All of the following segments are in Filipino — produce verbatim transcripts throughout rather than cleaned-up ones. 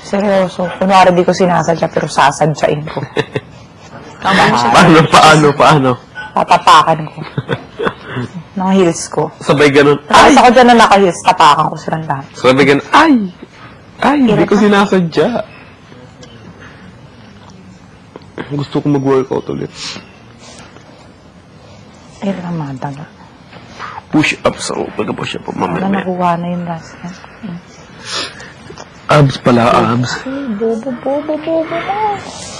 Seryoso. Kunwari di ko sinasadya, pero sasadyain ko. Tama siya. Paano, paano, paano? Tatapakan ko. Naka heels ko. Sabay ganun. Tapos ako dyan na naka-heels, tapakan ko silang lahat. Sabay ganun. Ay! Ay, hindi ko sinasadya. Gusto ko mag-workout ulit. Ay, ramada na. Push-ups ako. Pagka-push up ako mamaya. Wala nakuha na yung last niya. Abs pala, abs. Ay, bobo, bobo, bobo na.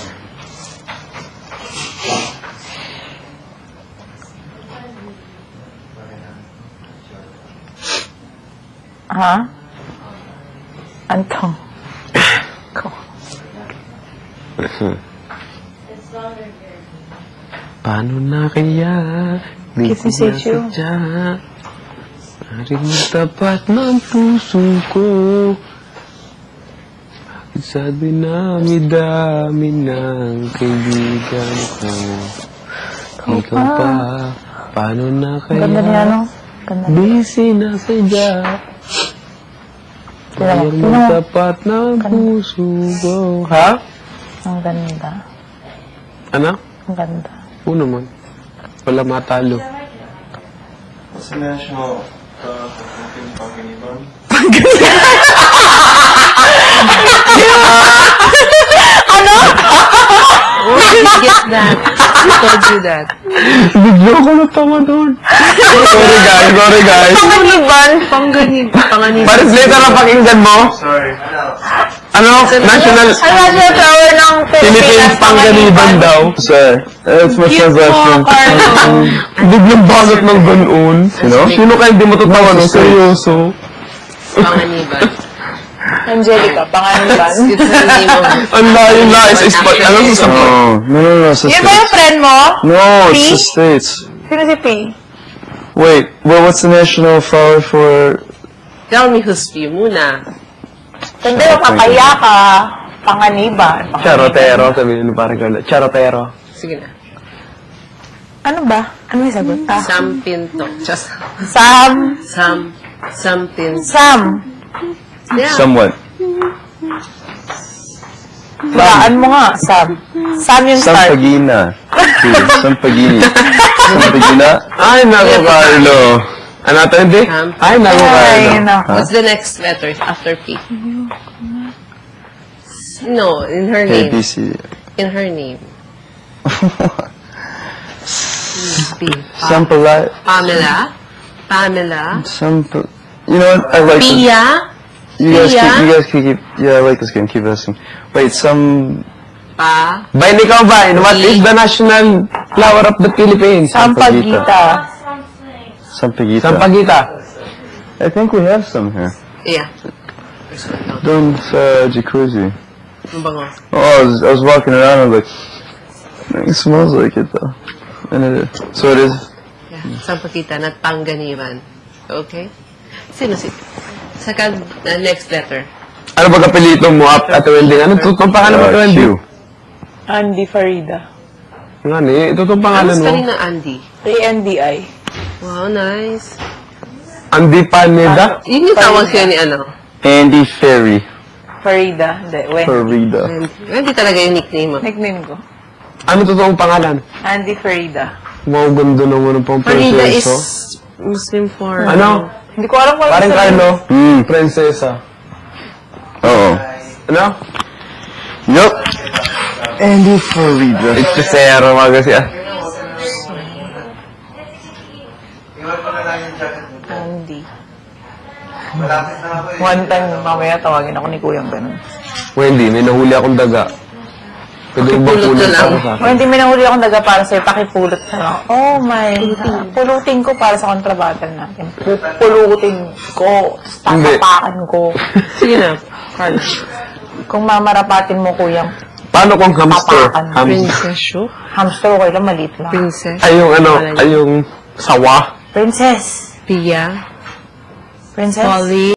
Ha? Antong. Ko. Paano na kaya? Di Kiss me, say you. Naring tapat ng puso ko. Bakit sa dinami-dami ng kaibigan ko? Ikaw pa, paano na kaya? Ganda niya, no? Ganda niya. Busy na sadya. Naring tapat ng puso ko. Ha? Ang ganda. Ano? Ang ganda. Oo naman. Wala matalo. Sa national, uh, Philippine Panginiban. Ano? Where did you get that? Who told you that? Bigla ko natawa doon. Sorry guys, sorry guys. Panganiban? Panganib. Panganib. Translator na pakinggan mo. Sorry. Ano? National... Ang national flower ng Philippines Panganiban daw. Sir, that's my Cute translation. mo, Carlo. Biglang bagat ng ganoon. Sino? Sino kayo hindi matatawa no? Seryoso. Panganiban. Angelica, panganiban. It's the name of... Ang layo na. Is, is, ano sa No, no, no, no, it's the Yun ba yung States. friend mo? No, P? it's the States. Sino si P? Wait, well, what's the national flower for... Tell me who's you muna. Hindi, makakaya ka. Panganiban. Charotero. Sabihin mo parang gano'n. Charotero. Sige na. Ano ba? Ano yung sagot? Ah. Sam Pinto. Just... Sam. Sam... Sam Pinto. Sam. Yeah. Somewhat. Hulaan mo nga, Sam. Sam yung start. Sampagina. Sampagini. Sampagina. Ay, naku, Carlo. Ano ito, hindi? Sam. Ay, naku, Ay, Carlo. nako. What's the next letter after P? No, in her A, name. B, C. In her name. P. Sampala. Pamela. Pamela. Sampa. You know what? I like this. Pia. You guys, Pia. keep, you guys keep, keep. Yeah, I like this game. Keep asking. Wait, some. Pa. Bain, ikaw ba? What is the national flower of the Philippines? Sampagita. Sampagita. Sampagita. I think we have some here. Yeah. Doon sa jacuzzi. Ang bango. Oh, I was, I was walking around and I was like, it smells like it though. And it is. So it is. Yeah. Sampagita na Panganiban. Okay? Sino si... Saka, uh, next letter. Ano ba kapilito mo, Ate Wendy? Ano tutong pangalan mo, Ate Uh, Wendy? Q. Andy Farida. Nga ni, tutong pangalan Ano mo? kanina Andy? A N D I. Wow, nice. Andy Paneda? Yun yung tawag siya ni ano? Andy Ferry. Farida. Hindi, Wendy. Farida. Hindi talaga yung nickname mo. Nickname ko. Ano totoong pangalan? Andy Farida. Wow, ganda naman ng pang Farida is prinseso. Muslim for... Ano? Hindi ko alam kung ano Parang sabihin. Carlo? Hmm. Prinsesa. Oo. Ano? Yup. Andy Farida. It's the zero, mga kasi ah. Andy. One time, mamaya tawagin ako ni Kuyang ganun. Wendy, may nahuli akong daga. Pwede mo bang Pakipulot pulot na lang. ako sa akin? Wendy, may nahuli akong daga para sa'yo. Pakipulot na lang. Oh my God. Pulutin ko para sa kontrabattle natin. Pupulutin ko. Hindi. Tatapakan ko. Sige na, Carl. Kung mamarapatin mo, Kuyang, Paano kung hamster? Tapakan. Hamster. Princess show? hamster okay lang, maliit lang. Princess? Ay, yung ano, ay yung sawa. Princess. Pia? Princess. Polly?